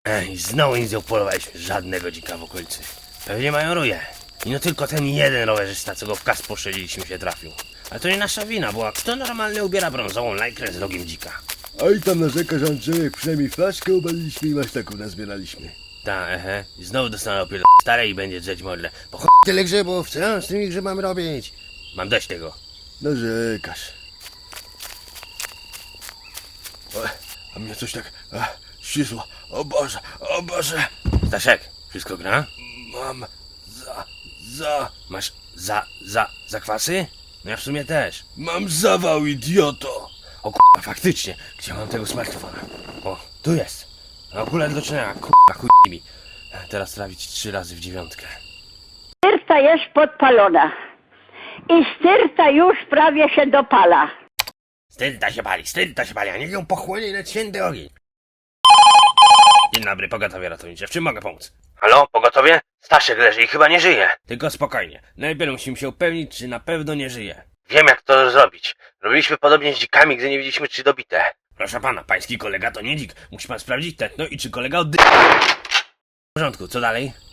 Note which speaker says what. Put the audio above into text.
Speaker 1: Ej, znowu nic nie upolowaliśmy, żadnego dzika w okolicy. Pewnie mają ruje. I no tylko ten jeden rowerzysta, co go w kas poszczeliliśmy, się trafił. Ale to nie nasza wina, bo kto normalnie ubiera brązową lajkrę z rogiem dzika?
Speaker 2: Oj, tam narzekasz, Andrzejek, przynajmniej flaszkę obaliliśmy i maślaków nazbieraliśmy.
Speaker 1: Ta, I znowu dostanę opiel stare i będzie drzeć modle. Bo tyle grzybów, co ja z tymi grzybami robić? Mam dość tego.
Speaker 2: Narzekasz. O, a mnie coś tak ścisło. O Boże, o Boże.
Speaker 1: Staszek, wszystko gra?
Speaker 2: Mam
Speaker 1: Masz zakwasy? No ja w sumie też.
Speaker 2: mam zawał, idioto.
Speaker 1: O k***a, faktycznie. Gdzie mam tego smartfona? O, tu jest. Akurat do czynienia, k***a, chuj mi. Teraz trafić 3 razy w 9.
Speaker 3: Styrta jest podpalona i styrta już prawie się dopala.
Speaker 1: Styrta się pali, a niech ją pochłonie na święty ogień. Dzień dobry, pogotowie ratownicze, w czym mogę pomóc? Halo, pogotowie? Staszek leży i chyba nie żyje. Tylko spokojnie, najpierw musimy się upewnić, czy na pewno nie żyje. Wiem, jak to zrobić. Robiliśmy podobnie z dzikami, gdy nie wiedzieliśmy, czy dobite. Proszę pana, pański kolega to nie dzik. Musi pan sprawdzić tętno i czy kolega oddycha. W porządku, co dalej?